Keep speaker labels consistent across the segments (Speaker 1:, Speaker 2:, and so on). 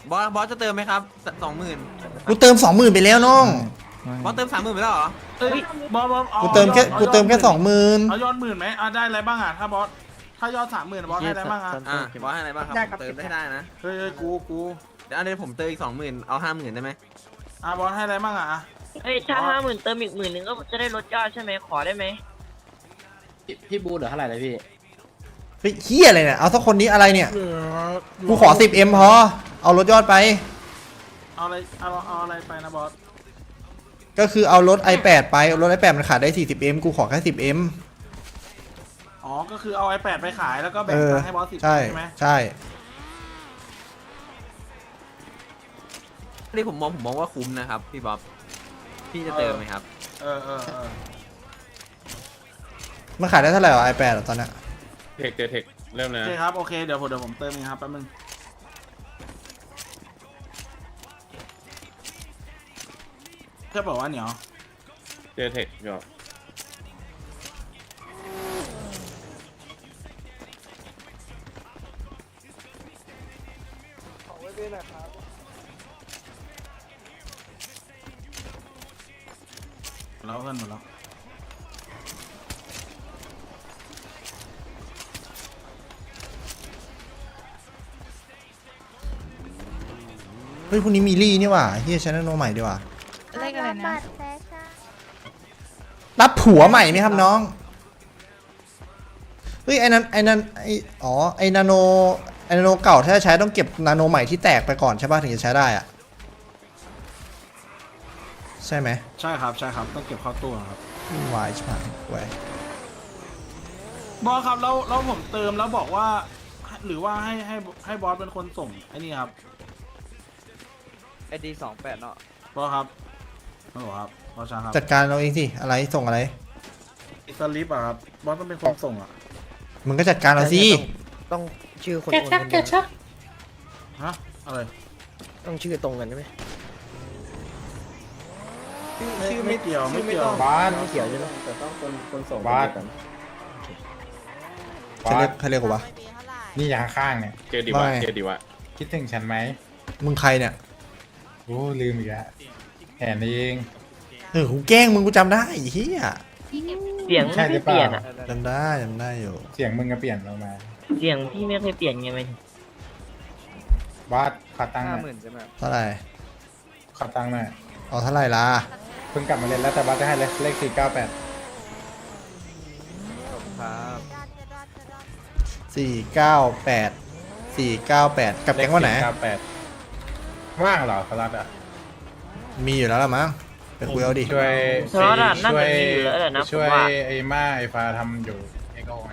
Speaker 1: บอสจะเติมไหมครับ20,000
Speaker 2: กูเติม20,000ไปแล้วน้อง
Speaker 1: บอสเติม30,000ไปแล้วเหรอ
Speaker 3: เอ้ยบอสอา
Speaker 2: กูเติมแค่
Speaker 3: อา
Speaker 2: กูเติมแค่
Speaker 3: เอา
Speaker 2: 20,000
Speaker 3: ยอด10,000ไหมได้อะไรบ้างอ่ะถ้าบอสถ้ายอด30,000บอสให้อะไรบ้างอ่ะ
Speaker 1: บอสให้อะไรบ้างครับผมเติมได้นะ
Speaker 3: เฮ้ยกู
Speaker 1: เดี๋ยวอันนี้ผมเติมอีก20,000เอา50,000ได้ไหม
Speaker 3: บอสให้อะไรบ้างอ่ะ
Speaker 4: เฮ้ยถ้า50,000เติมอีก10,000ก็จะได้ลดยอดใช่ไหมขอได้ไหม
Speaker 5: พี่บูเหลือเท่าไหร่เลยพี่
Speaker 2: เฮ้ยเฮียอะไรเนี่ยเอาสักคนนี้อะไรเนี่ยกูขอ 10M พอเอารถยอดไป
Speaker 3: เอาอะไรไปนะบอส
Speaker 2: ก็คือเอารถ i8 ไปเอารถ i8 มันขายได้ 40M กูขอแค่ 10M
Speaker 3: อ๋อก็คือเอา iPad ไปขายแล้วก็แบ่งตังค์ให้บอส10
Speaker 2: ใช่
Speaker 3: ไหม
Speaker 2: ใช่
Speaker 1: นี่ผมมองว่าคุ้มนะครับพี่บ๊อบพี่จะเติมไหมครับ
Speaker 3: เออ
Speaker 2: มันขายได้เท่าไหร่วะ i8 ตอนเนี้ย
Speaker 6: เทคเริ่ม
Speaker 3: โอ
Speaker 6: นะ
Speaker 3: เคครับโอเคเดี๋ยวผมเติมเองครับแป๊บนึงแค่บอกว่าเหนียว
Speaker 6: เทคก็
Speaker 3: แล้วเพื่อนหมดแล้ว
Speaker 2: เฮ้ยพรุ่งนี้มีลี่นี่หว่าเฮียชนะโนใหม่ดีกว่า
Speaker 7: เลขอะไรนะ
Speaker 2: รับผัวใหม่ไหมครับน้องเฮ้ยไอ้นั้นอ๋อไอ้นาโนเก่าถ้าจะใช้ต้องเก็บนาโนใหม่ที่แตกไปก่อนใช่ป่ะถึงจะใช้ได้อะใช่ไหม
Speaker 3: ใช่ครับต้องเก็บเข้าตู้ครับ
Speaker 2: วายใช่ไหมไว้
Speaker 3: บอสครับแล้วผมเติมแล้วบอกว่า หรือว่าให้บอสเป็นคนส่งไอ้นี่ครับ
Speaker 5: ID 28เนาะ
Speaker 3: บอสครับฮัลโหลครับบอสชาครับ
Speaker 2: จัดการเราเองสิอะไรส่งอะไร
Speaker 3: สลิปอะครับบอสต้องเป็นคนส่งอะ
Speaker 2: มึงก็จัดการเราสิ
Speaker 5: ต้องชื่อคน
Speaker 7: แกชักแกชัก
Speaker 3: ฮะอะไร
Speaker 5: ต้องชื่อตรงกันใช่ไหม
Speaker 3: ชื่อไม่เกี่ยวไม่เกี่ยว
Speaker 5: บ้านไม่เกี่ยวใช่ไหมแต่ต้องคนส่งบ้าน
Speaker 2: ใครเรียกกูวะ
Speaker 8: นี่อย่างข้างเนี่ย
Speaker 6: เจอดีวะ
Speaker 2: ไม่
Speaker 6: เจอดีวะ
Speaker 8: คิดถึงฉันไหม
Speaker 2: มึงใครเนี่ย
Speaker 8: โอ้ลืมอีกแล้วแหนเอง
Speaker 2: กูแกล้งมึงกูจำได้ไอ้เฮีย
Speaker 4: เสียงไม่เคยเปลี่ยนอ่ะ
Speaker 2: จำได้อยู่
Speaker 8: เสียงมึงก็เปลี่ยนเรามา
Speaker 4: เสียงพี่ไม่เคยเปลี่ยนไงมัน
Speaker 8: บาสขอตังค์หน่อย
Speaker 5: 50,000ใช่ไหม
Speaker 2: เท่าไหร่
Speaker 8: ขอตังค์หน่อย
Speaker 2: เอาเท่าไหร่ล่ะ
Speaker 8: เพิ่งกลับมาเล่นแล้วแต่บาสจะให้เลข498
Speaker 5: ครับ
Speaker 2: 498กับแก๊งวันไหน
Speaker 8: 498ว่างเหรอสลัดอ่ะ
Speaker 2: มีอยู่แล้วล่ะมั้งไปคุยเอาดิ
Speaker 8: ช่วย
Speaker 4: สล็อตอะน่าจะมีอยู่แล้วแหละนะผ
Speaker 8: ช่
Speaker 4: ม
Speaker 8: วย
Speaker 4: ว่า
Speaker 8: ไอ้ม่าไอ้ฟ้าทำอยู่เอ็กโอไง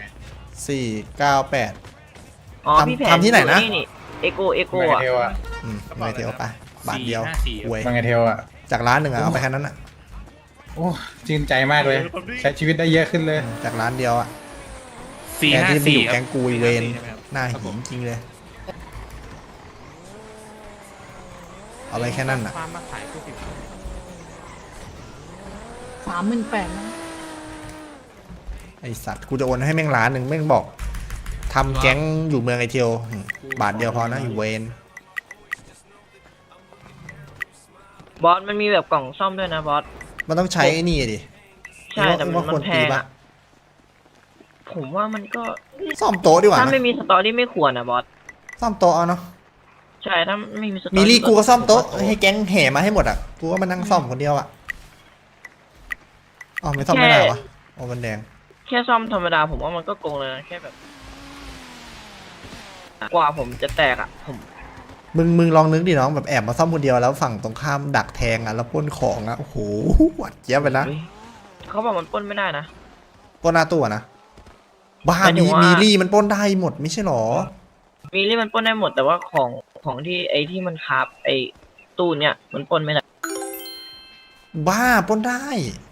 Speaker 2: 498
Speaker 4: อ๋อพี่แผน
Speaker 2: ทำที่ไหนนะ
Speaker 4: เอโก
Speaker 8: มังไง
Speaker 4: อ่ะ
Speaker 8: เทลอ่ะ
Speaker 2: ไม่เที่ยวไปบาทเดียวหวย
Speaker 8: มังไงเทลอ่ะ
Speaker 2: จากร้านหนึ่งอะเอาไปแค่นั้นอะ
Speaker 8: โอ้ชื่นใจมากเลย ใช้ชีวิตได้เยอะขึ้นเลย
Speaker 2: จากร้านเดียวอะแกที่ไปอยู่แก๊งกูอีเวนหน้าหินจริงเลยเอาไปแค่นั้นอะ
Speaker 7: 38,000นะ
Speaker 2: ไอสัตว์กูจะโอนให้แม่งล้านหนึ่งแม่งบอกทำแก๊งอยู่เมืองไอเทียวบาทเดียวพอนะอยู่เวน
Speaker 4: บอสมันมีแบบกล่องซ่อมด้วยนะบอส
Speaker 2: มันต้องใช้ไอ้นี่ดิ
Speaker 4: ใช่แต่มัน
Speaker 2: ว่าควร
Speaker 4: แพ
Speaker 2: ตี
Speaker 4: ง
Speaker 2: ปะ
Speaker 4: อะผมว่ามันก็
Speaker 2: ซ่อมโต๊ะดีกว่า
Speaker 4: ถ้า
Speaker 2: นะ
Speaker 4: ไม่มีสตอรี่ไม่ควรนะบอส
Speaker 2: ซ่อมโต๊ะเอาเนาะ
Speaker 4: ใช่ถ้าไม่มีสตอรี่
Speaker 2: มีลี่กูก็ซ่อมโต๊ะให้แก๊งแห่มาให้หมดอ่ะกูก็มานั่งซ่อมคนเดียวอ่ะอ๋อไม่ซ่อมไม่ได้วะโอ้มันแดง
Speaker 4: แค่ซ่อมธรรมดาผมว่ามันก็โกงเลยนะแค่แบบ กว่าผมจะแตกอ่ะผม
Speaker 2: มึงลองนึกดิน้องแบบแอบมาซ่อมคนเดียวแล้วฝั่งตรงข้ามดักแทงอ่ะแล้วปล้นของอ่ะโอ้โหหวัดเจี๊ยบไปนะ
Speaker 4: เฮ้ยเขาบอกมันปล้นไม่ได้นะ
Speaker 2: ปล้นหน้าตู้อะนะบ้า
Speaker 4: หมายถึ
Speaker 2: มี
Speaker 4: งว่ามี
Speaker 2: มีลี่มันปล้นได้หมดไม่ใช่หรอ
Speaker 4: มีที่มันปล้นได้หมดแต่ว่าของที่ไอที่มันคาบไอตู้เนี่ยมันปล้นไม่ได้
Speaker 2: บ้าปล้นได้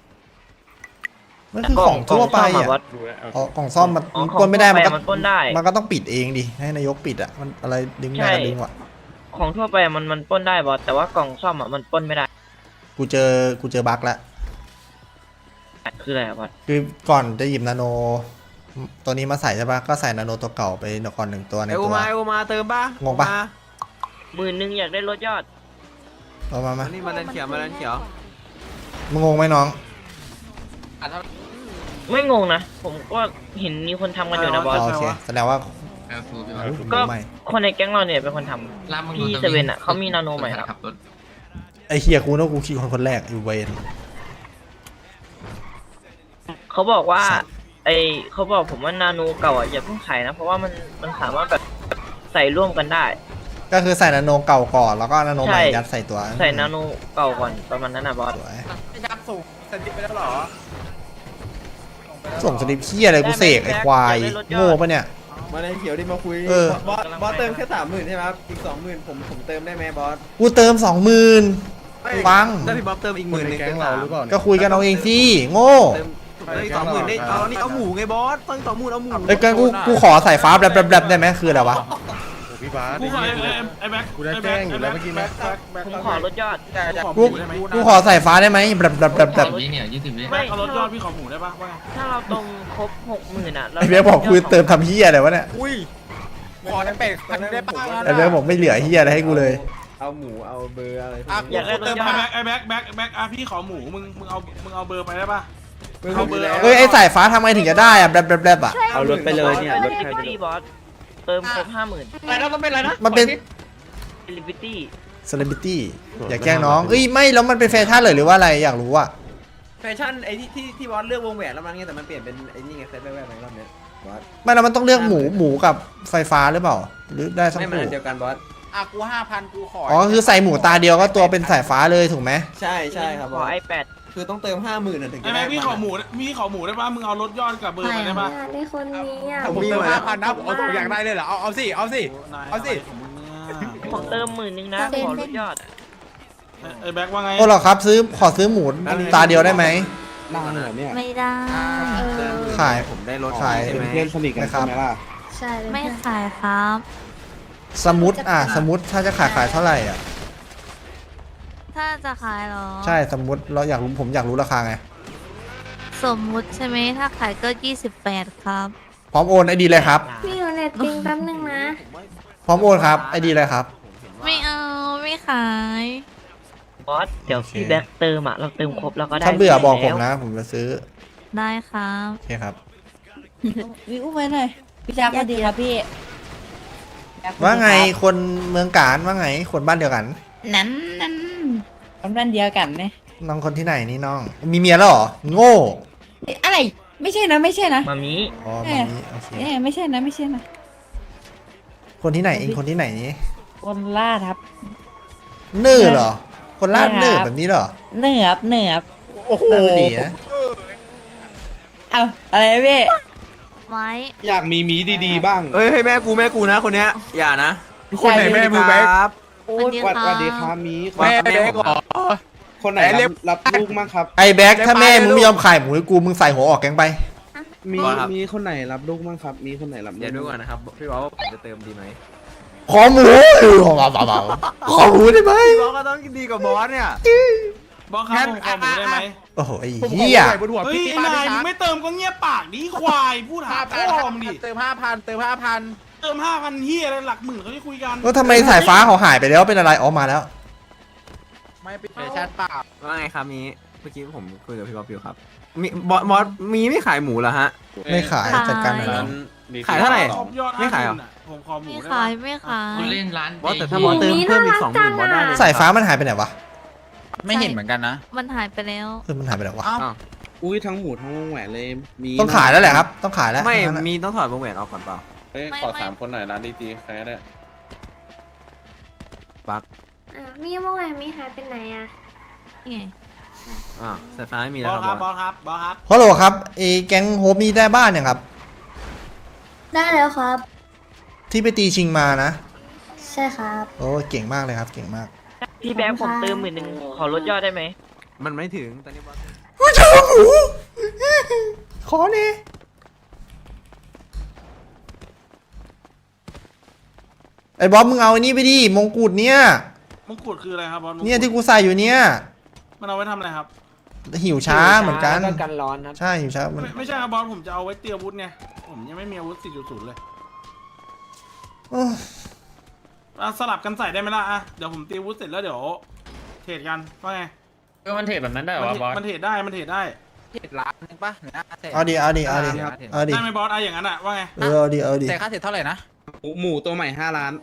Speaker 2: มันคือของทั่วไป
Speaker 4: กล่งซ่ม
Speaker 2: อ่ะ
Speaker 4: บอส
Speaker 6: ดูแล้วเอา
Speaker 2: อ๋อกล่องซ่อมมัน
Speaker 4: อ๋อ
Speaker 2: ปล้นไม่ได้
Speaker 4: ของ
Speaker 2: มัน
Speaker 4: ทั่
Speaker 2: ก็
Speaker 4: วไปมันปล้นได้
Speaker 2: มันก็ต้องปิดเองดิให้นายกปิดอ่ะมันอะไรดึงได้ก็ดึงว่ะ
Speaker 4: ของทั่วไปอะมันปล้นได้บอสแต่ว่ากล่องซ่อมอ่ะมันปล้นไม่ได้
Speaker 2: กูเจอบั๊กแล้ว
Speaker 4: คืออะไรอะบอส
Speaker 2: คือก่อนจะหยิบนาโนตัวนี้มาใส่ใช่ปะก็ใส่นาโนตัวเก่าไปก่อนหนึ่งตัวใน
Speaker 1: ไอโอ
Speaker 2: ตัว
Speaker 1: มาเติมป่ะ
Speaker 2: งงปะ
Speaker 1: โอ
Speaker 4: 10,000อยากได้รถยอด
Speaker 2: เอามา
Speaker 1: อันนี้มาแลนเขียวมาแลนเขียว
Speaker 2: มึงงงไหมน้อง
Speaker 4: ไม่งงนะ ผมก็เห็นมีคนทำกันอยู่นะบอส
Speaker 2: โอเคแสดงว่า
Speaker 4: ก็
Speaker 2: ใหม่
Speaker 4: คนในแก๊งเราเนี่ยเป็นคนทำพี่เซเว่นอ่ะเขามีนาโนใหม่แล้ว
Speaker 2: ไอเฮียกูนึกว่ากูขี่คนแรกอยู่เวน
Speaker 4: เขาบอกว่า
Speaker 2: สัตว์
Speaker 4: เขาบอกผมว่านาโนเก่าอ่ะอย่าเพิ่งขายนะ เพราะว่ามันสามารถแบบใส่ร่วมกันได้
Speaker 2: ก็คือใส่นาโนเก่าก่อนแล้วก็นาโนใหม่
Speaker 4: ใช่
Speaker 2: ยัดใส่ตัว
Speaker 4: ใส่นาโนเก่าก่อนประมาณนั้นนะบอส
Speaker 2: สวย
Speaker 3: ยับสูงสติไปแล้วหรอ
Speaker 2: ส่งสลิปเฮียอะไรกูเสกไอควายโง่ปะเนี่ย
Speaker 5: มาในเขียวดิมาคุย
Speaker 2: เออ
Speaker 5: บอสเติมแค่30,000ใช่ไหมครับอีก20,000ผมเติมได้ไหมบอส
Speaker 2: กูเติม 20,000ฟัง
Speaker 1: ถ้าพี่บ๊อบเติมอีก10,000นึงเป็น3
Speaker 2: ก็คุยกันเอาเองสิโง่
Speaker 1: เติมได้20,000ได้เอานี่เอาหมูไงบอสต้อง20,000เอาหมู
Speaker 2: เอ้ยกันกูขอสายฟ้าแบลบได้ไหมคืออะไรวะ
Speaker 7: พี่บาส
Speaker 3: กูขอไอ้แบ็ค
Speaker 7: กูได้แจ้งอยู่แล้วเมื่อกี้นะ
Speaker 4: ผมขอรถยอด
Speaker 2: กูขอสายฟ้าได้ไหมแบลบ
Speaker 3: ไม่เอารถยอดพี่ขอหมูได้ปะว่าไง
Speaker 4: ถ้าเราตรงครบ 60,000อ่ะ
Speaker 2: ไอเบียบอกคุยเติมทำเฮียอะไรวะเนี่ย
Speaker 7: อุ้ยขอได้เป็ดพันได้ป่ะ
Speaker 2: ไอเบียบอกไม่เหลือเฮียอะไรให้กูเลย
Speaker 5: เอาหมูเอาเบอร์อะไร
Speaker 4: อยากได้รถยอด
Speaker 3: ไอ้แบ็คอ่ะพี่ขอหมูมึงเอาเบอร์ไปได้ปะ
Speaker 5: เอาเบอร์แล้ว
Speaker 2: เฮ้ยไอสายฟ้าทำไมถึงจะได้อะแบลบอะ
Speaker 5: เอารถไปเลยเนี่ยรถ
Speaker 4: ลิ
Speaker 5: ใคร
Speaker 4: บิตี้บอสเติมครบ 50,000
Speaker 5: อะไรนะมันเป็นอะไรนะ
Speaker 2: มันเป็น
Speaker 4: ลิบิตี้
Speaker 2: เซเลบริตี้อย่าแกล้งน้องเอ้ยไม่แล้วมันเป็นแฟชั่นเลยหรือว่าอะไรอยากรู้อะ
Speaker 5: แฟชั่นไอ้ที่บอสเลือกวงแหวนแล้วมันไงแต่มันเปลี่ยนเป็นไอ้นี่ไงเซตแวบๆในรอบเนี้ยบอส
Speaker 2: ไม่แล้วมันต้องเลือกหมูกับไฟฟ้าหรือเปล่า หรือได้ทั้ง
Speaker 5: ไม่มัน
Speaker 2: คู่
Speaker 5: อันเดียวกันบอส
Speaker 7: อ่ะกู5,000กูขอ
Speaker 2: อ๋อคือใส่หมูตาเดียวก็ตัวเป็นสายฟ้าเลยถูกไหม
Speaker 5: ใช่ครับ
Speaker 4: ข
Speaker 5: บ
Speaker 4: อ
Speaker 5: อส
Speaker 4: iPad
Speaker 5: คือต้องเติม50,000น่ะถึง
Speaker 3: ไอ้
Speaker 5: จะ
Speaker 3: แบ็
Speaker 5: ได้
Speaker 3: คพี่ขอหมูได้ปะมึงเอารถยอดกับเบอร์ไปได้ปะ
Speaker 9: ในคนนี้อ่ะ
Speaker 7: ผมเติม5,000นะผมเอาอยากได้เลยเหรอเอาสิเอาสิ เอาสิ
Speaker 4: ผมเติม10,000นะขอรถยอด
Speaker 3: ไอ้แบ็คว่าไง
Speaker 2: โอ้เหรอครับขอซื้อหมูตาเดียวได้ไหม
Speaker 5: นานเหรอเนี่ย
Speaker 9: ไม่ได้
Speaker 2: ขาย
Speaker 1: ผมได้รถ
Speaker 2: ขาย
Speaker 1: ใช่ไหม
Speaker 5: เพื่อนสนิทกันใช่ไหมล่ะ
Speaker 9: ใช่ไม่ขายครับ
Speaker 2: สมุดสมุดถ้าจะขายเท่าไหร่อ่ะ
Speaker 9: ถ้าจะขายเหรอ
Speaker 2: ใช่สมุดเราอยากรู้ผมอยากรู้ราคาไง
Speaker 9: สมมุติใช่ไหมถ้าขายก็28ครับ
Speaker 2: พร้อมโอนไอดีเลยครับ
Speaker 9: พี่อยู่เน็ตปิงแป๊บนึงนะ
Speaker 2: พร้อมโอนครับไอดีเลยครับ
Speaker 9: ไม่เอาไม่ขาย
Speaker 4: บอสเดี๋ยวพี่แบ็คเติมอ่ะเราเติมครบแล้วก็ได้
Speaker 2: ถ้าเบื่อบอกผม
Speaker 4: แล้ว
Speaker 2: นะ ผมจะซื้อ
Speaker 9: ได้ครับ
Speaker 2: โอเคครับ
Speaker 10: วิวไปหน่อยพี่จักรสวัสดีครับพี่
Speaker 2: ว่าไงคนเมืองการว่าไงคนบ้านเดียวกัน
Speaker 10: นั้นคนบ้านเดียวกันเนี่ย
Speaker 2: น้องคนที่ไหนนี่น้อง มีเมียแล้วเหรอโง่
Speaker 10: อะไรไม่ใช่นะไม่ใช่นะ
Speaker 4: มามี
Speaker 2: อ๋อแบบนี้โอเค
Speaker 10: ไม่ใช่นะไม่ใช่นะ
Speaker 2: คนที่ไหนเองคนที่ไหนนี่
Speaker 10: คนล่าครับ
Speaker 2: เนื้อเหรอ คนลาดเนื้อแบบนี้เหรอ
Speaker 10: เหนือบเหนือบ
Speaker 2: โอ้โหดีนะ
Speaker 10: เอาอะไรพี่
Speaker 9: ไว้
Speaker 5: อยากมีมีดีๆบ้าง
Speaker 1: เอ้ยให้แม่กูนะคนเนี้ยอย่านะ
Speaker 7: คนไหนแม่มือแบ๊ก
Speaker 1: ครับ
Speaker 9: สวัสดีครับ
Speaker 5: สวัสดีครับมี
Speaker 7: แม่แบ๊กเหรอ
Speaker 5: คนไหนรับลูกมั่งครับ
Speaker 2: ไอแบ็คถ้าแม่มึงไม่ยอมขายหมูให้กูมึงใส่หัวออกแกงไป
Speaker 5: มีคนไหนรับลูกมั่งครับ มีคนไหนรับลู
Speaker 1: เดี๋ยว
Speaker 5: ก
Speaker 1: ดูก่อนนะครับพี่บ๊อบว่าผมจะเติมดีไหม
Speaker 2: ขอหมูขอหมูได้ไหม
Speaker 1: พี่บ๊อบก็ต้องดีกว่าบอสเนี่ย
Speaker 3: บอสครับผมขอหมูได้ไหม
Speaker 2: โอ้โหไอ้
Speaker 7: ผมขอ
Speaker 2: เหี้ย
Speaker 7: ใส่บนหัว
Speaker 3: เฮ้ย
Speaker 7: พี่
Speaker 3: ไอ้
Speaker 7: ป้า
Speaker 3: นา
Speaker 7: ดิ
Speaker 3: ยมึ
Speaker 7: ครั
Speaker 3: ง
Speaker 7: บ
Speaker 3: ไม่เติมก็เงียบปากดิควายพูดหาพ่อมึงดิ
Speaker 7: เติม5,000เติม5,000
Speaker 3: เติม5,000เฮียอะไรหลักหมื่นเขาที่คุยกัน
Speaker 2: แล้วทำไมสายฟ้าเขาหายไปแล้วเป็นอะไรอ๋อมาแล้ว
Speaker 7: ไม่เป็นแฟชั่นเปล่า
Speaker 1: ว่าไงครับมีเมื่อกี้ผมคุยกับพี่บ๊อบอยู่ครับมีบอสมีไม่ขายหมูเหรอฮะ
Speaker 2: ไม่ขายจัดการหน่อย
Speaker 6: นั้
Speaker 2: นะ
Speaker 6: น
Speaker 1: ขายเท่าไหร่
Speaker 3: ครบยอด
Speaker 1: ไม่ขายเหรอ
Speaker 3: 50,000ผมขอหมู
Speaker 9: ไม่
Speaker 3: ได้
Speaker 9: ขาย
Speaker 3: ปะ
Speaker 9: ไม่ขาย
Speaker 1: บอสแต่ถ้าบอสเติมเพิ่มอีก20,000บอสได้เลย
Speaker 2: สายฟ้ามันหายไปไหนวะ
Speaker 10: ไม่เห็นเหมือนกันนะ
Speaker 9: มันหายไปแล้ว
Speaker 2: มันหายไปไหนวะ
Speaker 1: อ้าว
Speaker 5: อุ้ยทั้งหมูทั้งวงแหวนเลยมี
Speaker 2: ต้องขายแล้วแหละครับ ต้องขายแล้ว
Speaker 1: ไม่
Speaker 2: งั้นน่ะ
Speaker 1: มีต้องถอดวงแหวนออกก่อนเปล่า
Speaker 6: เฮ้ยขอ3คนหน่อยร้านดีๆใครก็ได้
Speaker 1: ปัก
Speaker 9: มีเมื่อวานมีหายไปไหนอ่ะนี่ไง
Speaker 1: สายฟ้าไม่มี
Speaker 3: บ
Speaker 1: แล้ว
Speaker 3: อส
Speaker 1: ค
Speaker 3: ค
Speaker 1: รั
Speaker 3: รั
Speaker 1: บบ บบ อ
Speaker 3: อ
Speaker 1: ส
Speaker 3: สครับบอสครับ
Speaker 2: ฮัลโหลครับไอ้แก๊งโฮปนี่ได้บ้านยังครับ
Speaker 9: ได้แล้วครับ
Speaker 2: ที่ไปตีชิงมานะ
Speaker 9: ใช่ครับ
Speaker 2: โอ้เก่งมากเลยครับ เก่งมาก
Speaker 4: พี่แบ็คผมเติม10,000ขอรถยอดได้ไหม
Speaker 1: มันไม่ถึงตอนนี้บอส
Speaker 2: ผู้ชายหมูขอเน่ไอ้บ๊อบมึงเอาไอ้นี่ไปดิมงกุฎเนี่ย
Speaker 3: มงกุฎคืออะไรครับบอสมงกุฎ
Speaker 2: เนี่ยที่กูใส่อยู่เนี่ย
Speaker 3: มันเอาไว้ทำอะไรครับ
Speaker 2: หิวช้าเหมือนกัน
Speaker 5: แล้วกันร้อนครับ
Speaker 2: ใช่หิวช้ามัน
Speaker 3: ไม่ใช่ครับบอสผมจะเอาไว้เตรียมอาวุธไงผมยังไม่มีอาวุธ 4.0 เลย
Speaker 2: โอ้
Speaker 3: สลับกันใส่ได้ไหมล่ะอ่ะเดี๋ยวผมตีวุ้เสร็จแล้วเดี๋ยวเทรดกันว่าไง
Speaker 6: มันเทรดแบบนั้นได้เหรอวะบอส
Speaker 3: มันเทรดได้มันเทรดได้
Speaker 7: ล้านนึงป่ะเนี่ย
Speaker 2: เอาดิเอาดิเอาดิเอาดิ
Speaker 3: ได้ไหมบอสอะอย่างนั้นอะว่าไง
Speaker 2: เอาดิเอาดิ
Speaker 7: แต่ค่าเสร็จเท่าไหร่นะ
Speaker 6: หมูตัวใหม่5 ล้าน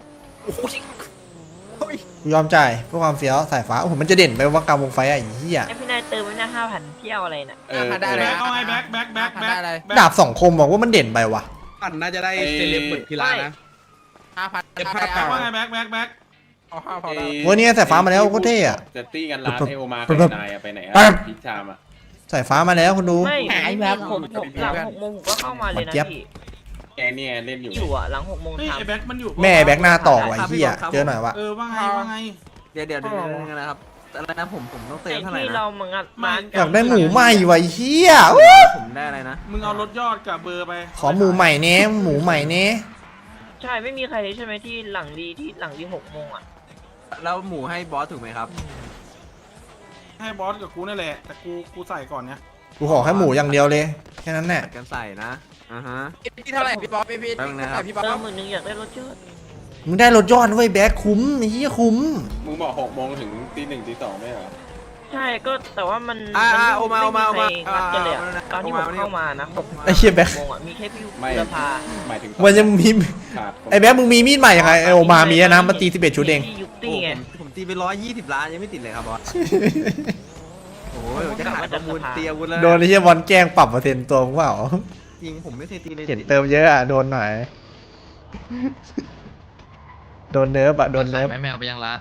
Speaker 2: กูยอมจ่ายเพื่อความเฟี้ยวสายฟ้าโอ้โหมันจะเด่นไปว่ากลางวงไฟอ่ะไอ้เหี้ย
Speaker 4: ไอพี่นายเติมไว้นะ5,000เที่ยวอะไรน่ะ
Speaker 7: ได้เลย
Speaker 3: แบ็คเอาไงแบ็ค
Speaker 7: ได้เลย
Speaker 2: ดาบสองคมบอกว่ามันเด่นไปว่ะ
Speaker 6: ปั่นน่าจะได้เซเลบเหมือนพิลานะ
Speaker 3: ว่าไงแบ็ค
Speaker 7: เอา5,000ได้
Speaker 2: วันนี้สายฟ้ามาแล้วโคตรเท่อะ
Speaker 6: จะตี้กันร้านเอโอมา
Speaker 2: ปึ๊
Speaker 6: กั
Speaker 2: บบ
Speaker 6: นายอะไปไหนอะ
Speaker 2: ปึ๊บ
Speaker 6: พิชามอะ
Speaker 2: สายฟ้ามาแล้วคุณดู
Speaker 4: ไม่
Speaker 10: หายแวบ
Speaker 4: ผมหลัง6 โมงผมก็เข้ามาเลยนะ
Speaker 2: เจี๊ยบ
Speaker 4: พี่
Speaker 6: แกเนี่ยเล่นอยู่
Speaker 4: อยู่อ่ะหลัง6 โมง
Speaker 3: เฮ้ย
Speaker 4: ท
Speaker 3: ไอ้แบ็คมันอยู่
Speaker 2: แม่แบ็คหน้าต่อไว้เหี้ยเจอหน่อยว่ะ
Speaker 3: ว่าไง
Speaker 1: เดี๋ยวนะครับอะไรนะผมต้อง
Speaker 4: ำ
Speaker 1: เติ
Speaker 4: ไอ
Speaker 1: มเท่าไหร่
Speaker 4: ที่
Speaker 1: นะ
Speaker 4: เรามางัดบ้าน
Speaker 2: อยากได้หมูใหม่ว่ะไอ้เหี้ย
Speaker 1: ผมได้อะไรนะ
Speaker 3: มึงเอารถยอดกับเบอร์ไป
Speaker 2: ขอหมูใหม่เน้หมูใหม่เน้
Speaker 4: ใช่ไม่มีใครเลยใช่ไหมที่หลังดี6 โมงอ่ะ
Speaker 1: แล้วหมูให้บอสถูกไหมครับ
Speaker 3: ให้บอสกับกูนั่นแหละแต่กูใส่ก่อนเนี่ย
Speaker 2: กูขอแค่หมูอย่างเดียวเลยแค่นั้นแหละ
Speaker 1: ตัดกันใส่นะฮะ
Speaker 7: พี่เท่าไหร่พี่ป๊อปพี่
Speaker 1: แป๊บนึงนะครับ
Speaker 7: พี่ป๊อป
Speaker 4: เติม10,000อยากได้รถยอด
Speaker 2: มึงได้รถยอดเว้ยแบ็คคุ้มไอ้เหี้ยคุ้ม
Speaker 6: มึงบอก6 โมงถึงตี 1 ตี 2ไม่เหรอ
Speaker 4: ใช่ก็แต่ว่ามัน
Speaker 1: โอมา
Speaker 4: ใครงัดกันเลยอะตอนที่ผมเข้ามานะ6
Speaker 2: ไอ้เหี้ยแบ็ค
Speaker 4: โมงอ่ะมีแค่พี่
Speaker 6: ไม่
Speaker 4: บุรพา
Speaker 6: หมายถึง
Speaker 2: มันจะมี
Speaker 6: ขาด
Speaker 2: ไอ้แบ็คมึงมีมีดใหม่ยังไงไอโอมามีอะนะมาตี11ชุดเอง
Speaker 4: พี่ยุ
Speaker 1: โอ้
Speaker 4: ตี้ไง
Speaker 1: ผมตีไป120 ล้านยังไม่ติดเลยครับบอสโอ้ยจะขายประมูลตีอาวุธแล้ว
Speaker 2: โดนไอ้เหี้ยบอลแกล้งปรับเปอร์เซ็นต์ตัวมึงเปล่า
Speaker 1: จริงผมไม่เคยตีเลย
Speaker 2: เห็นเติมเยอะอะโดนหน่อยโดนเนิร์ฟอะโดนเนิร์ฟ
Speaker 11: แมวไปยังละ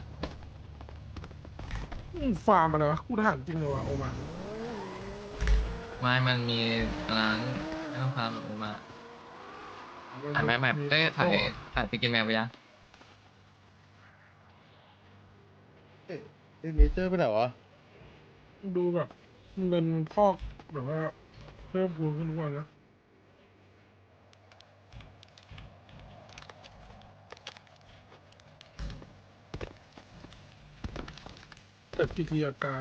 Speaker 3: ฟาร์มอะไรวะกูถามจริงเลยวะโอมา
Speaker 11: ไม่มันมีร้านไม่ต้องพาแบบมาถ่ายแมวเอ้ยถ่ายไปกินแมวไปยัง
Speaker 8: เนเจอร์ไปไหนวะ
Speaker 3: ดูแบบเงินพอกแบบว่าเพิ่มพูนขึ้นทุกวันนะแต่พิธีกาย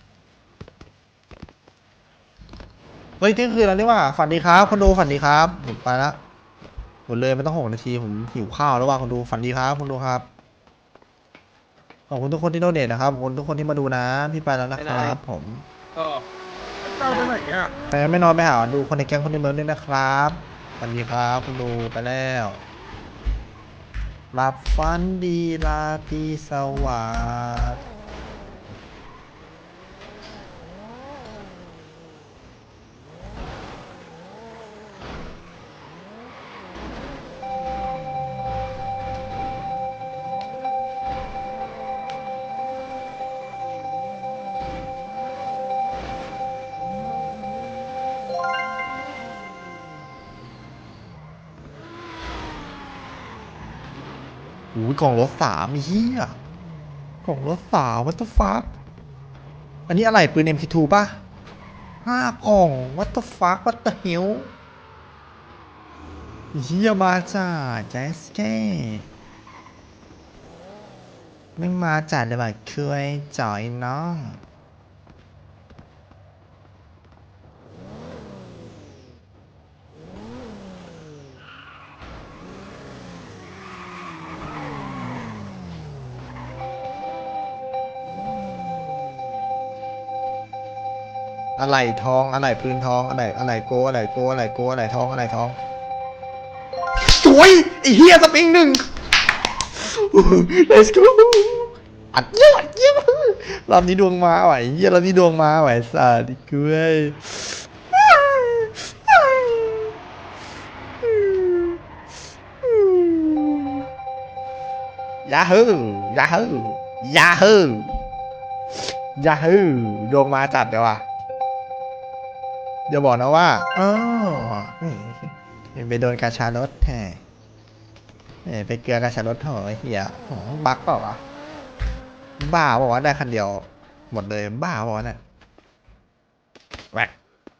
Speaker 2: เฮ้ยเที่ยงคืนแล้วนี่ว่าฝันดีครับคนดูฝันดีครับผมไปละหมดเลยไม่ต้อง6 นาทีผมหิวข้าวแล้วว่าคนดูฝันดีครับคนดูครับขอบคุณทุกคนที่โดเนทนะครับขอบคุณทุกคนที่มาดูนะพี่ไปแล้วนะครับผม
Speaker 6: ก็
Speaker 3: เจ้าไปไหนอ่ะ
Speaker 2: แต่ไม่นอนไม่หาดูคนในแก๊งคนในเมืองด้วยนะครับฝันดีครับคนดูไปแล้วหลับฝันดีราตรีสวัสดิ์โอ้ยกล่องรถ3เฮียกล่องรถ3 what the fuck อันนี้อะไรปืน MP2 ป่ะ5 กล่อง what the fuck what the hell เฮียมาจ้าแจสเก้ไม่มาจัดเลยว่ะเคยจ่อยน้องอะไรทองอะไรปืนทองอะไรโกอะไรโกอะไรโกอะไรทองอะไรทองสวยไอ้เฮียสปริง1 let's go อัดเยอะรอบนี้ดวงมาไหวเฮียรอบนี้ดวงมาไหวสาดิกล้วยยาฮูยาฮูยาฮูยาฮูดวงมาจัดเดี๋ยวว่ะเดี๋ยวบอกนะว่าอ๋อไปโดนกาชารถแท้ไปเกลือกาชารถเหรอเฮียบักเปล่าวะบ้าบอกว่าได้คันเดียวหมดเลยบ้าบอกว่าเนี่ยแหวก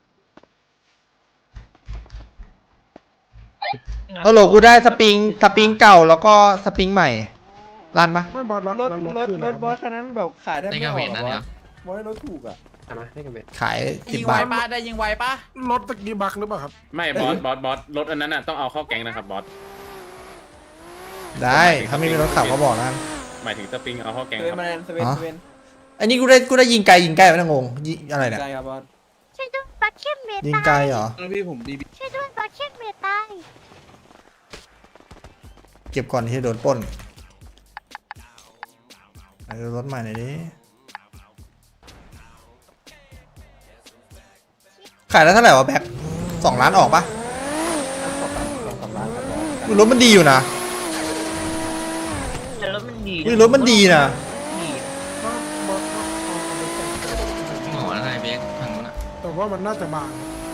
Speaker 2: ฮัลโหลกูได้สปริงเก่าแล้วก็สปริงใหม่รันปะ
Speaker 3: ไม่บอสรถ
Speaker 5: บอสคันนั้นแบบขายได้
Speaker 11: ได้
Speaker 5: ไม่
Speaker 11: กา
Speaker 5: อ
Speaker 11: เว
Speaker 5: อก
Speaker 11: น
Speaker 5: หร
Speaker 11: นั่
Speaker 5: อน
Speaker 11: เนี่
Speaker 5: วะ
Speaker 11: ย
Speaker 5: บอสได้รถถูกอ่ะได้กันเบ็ด
Speaker 2: ขาย
Speaker 7: ยิง
Speaker 2: 10
Speaker 7: ไว
Speaker 2: บาท
Speaker 7: ป้าได้ยิงไวป้าร
Speaker 3: ถตะกี้บักหรือเปล่าครับ
Speaker 6: ไม่บอสรถอันนั้นน่ะต้องเอาเข้าแก๊งนะครับบอส
Speaker 2: ได้ถ้าไม่มีรถขับก็บอกนะ
Speaker 6: หมายถึงสปริงเอาเข้าแกง
Speaker 5: เซเว่
Speaker 6: คน รับ
Speaker 5: มาแลนด์เซเว่น
Speaker 2: อ๋อ
Speaker 5: เซเว่น
Speaker 2: อันนี้กูได้ยิงไกลไม่ต้องงงยิงอะไรเนี่ย
Speaker 5: ใช่ครับบอส
Speaker 9: ช่วยด้วยบัคเก็ตเม
Speaker 2: ยิง
Speaker 9: ตา
Speaker 2: ไกลเหรอ
Speaker 6: พี่ผมบีบี
Speaker 9: ช่วยด้วยบัคเก็ตเมตาย
Speaker 2: เก็บก่อนที่จะโดนปล้นเอารถใหม่หน่อยดิขายได้เท่าไหร่วะแบ็ค2 ล้านออกปะ
Speaker 5: 2-3 ล้านครับบอส
Speaker 2: อุ๊ยรถมันดีอยู่นะ
Speaker 4: แต่รถมันดี
Speaker 2: อุ๊ยรถมันดีนะ
Speaker 4: ดี
Speaker 11: หมออะไรเบคทางนู้นอ่ะ
Speaker 3: แต่ว่ามันน่าจะบาง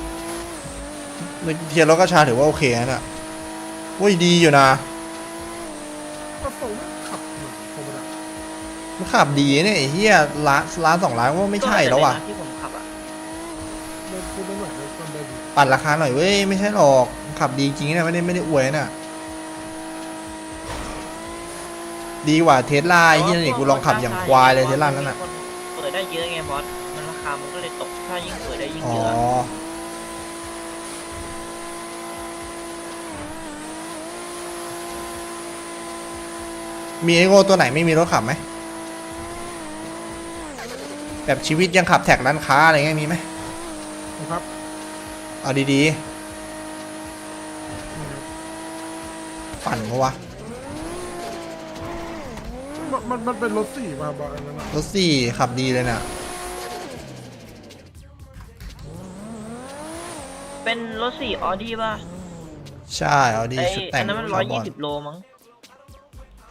Speaker 2: เทียร์รถกระชาถือว่าโอเคนะเนี่ยโอ้ยดีอยู่นะ
Speaker 3: ก็ส่งขับเหมือนโคมดา
Speaker 2: มันขับดีเนี่ยไอ้เหี้ยล้าน2 ล้านว่าไม่ใช่แล้วว่ะ
Speaker 4: ที่ผมขับอ่ะ
Speaker 3: ไม่พูดไม่เหมือนเลยคนเดิม
Speaker 2: ปั่นราคาหน่อยเว้ยไม่ใช่หรอกขับดีจริงนะไม่ได้อวยนะดีกว่าเทสลาไอ้เหี้ยนี่กูลองขับอย่างควายเลยเทสลานั่นน่ะ
Speaker 4: เปิดได้เยอะไงบอสมันราคามันก็เลยตกถ้ายิ่งเปิดได้ยิ่ง
Speaker 2: อ๋อ
Speaker 4: เยอะ
Speaker 2: มีไอโง่ตัวไหนไม่มีรถขับไหมแบบชีวิตยังขับแท็กร้านค้าอะไรเงี้ยมีไหม
Speaker 3: ครับ
Speaker 2: เอาดีๆปั่นเพราะวะ
Speaker 3: มันเป็นรถ4ป่ะบอสอันนั้นอะ
Speaker 2: รถ4ขับดีเลยน่ะ
Speaker 4: เป็นรถ4ออดี้ป่ะ
Speaker 2: ใช่เอาดี
Speaker 4: ไอ
Speaker 2: ชุดแต่
Speaker 4: อั
Speaker 2: ง
Speaker 4: นนั้นมัน
Speaker 2: คาร์บอน
Speaker 4: 120 โลมั้ง